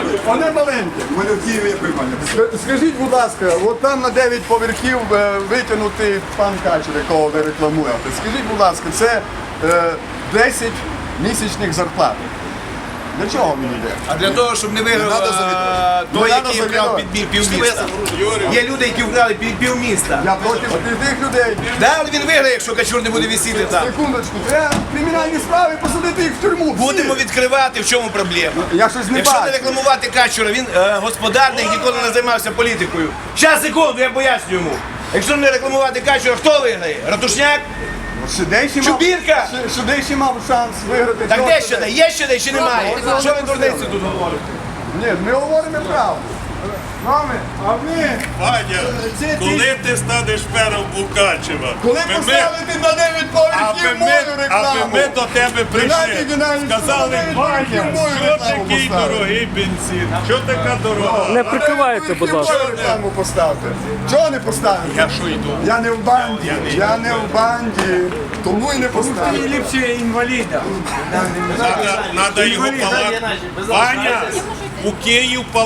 Вони маленькі. У мене в Києві є приймальня. Скажіть, будь ласка, от там на 9 поверхів витягнутий пан Качер, якого ви рекламуєте. Скажіть, будь ласка, це 10 місячних зарплат. Для чого він йде? А для того, щоб не виграв той, який вкрав півміста. Є люди, які вкрали півміста. Я проти тих людей. Да, але він виграє, якщо Качур не буде висіти там. Секундочку, треба кримінальні справи посадити їх в тюрму. всі. Будемо відкривати, в чому проблема. Я щось не Якщо не бачу. рекламувати Качура, він господарник, ніколи не займався політикою. Щас, секунду, я поясню йому. Якщо не рекламувати Качура, хто виграє? Ратушняк? Шидейший Чубірка? Шидейший мав шанс виграти. Так Чого де це? ще де? Є ще де чи немає? Що ви дурниці тут говорите? Ні, ми говоримо правду. Мами, а ви? Ваня, коли ти станеш мером Мукачева? Коли Ми- поставити на 9 поверхів мою аби рекламу? ми до тебе прийшли, сказали, Ваня, що такий дорогий бензин, що така дорога? Не прикривайте, будь ласка. Чого рекламу поставити? Чого не поставити? Я що йду? Я не в банді, я не в банді, тому і не поставив. Ліпше інваліда. Надо його палати. Ваня, у Київ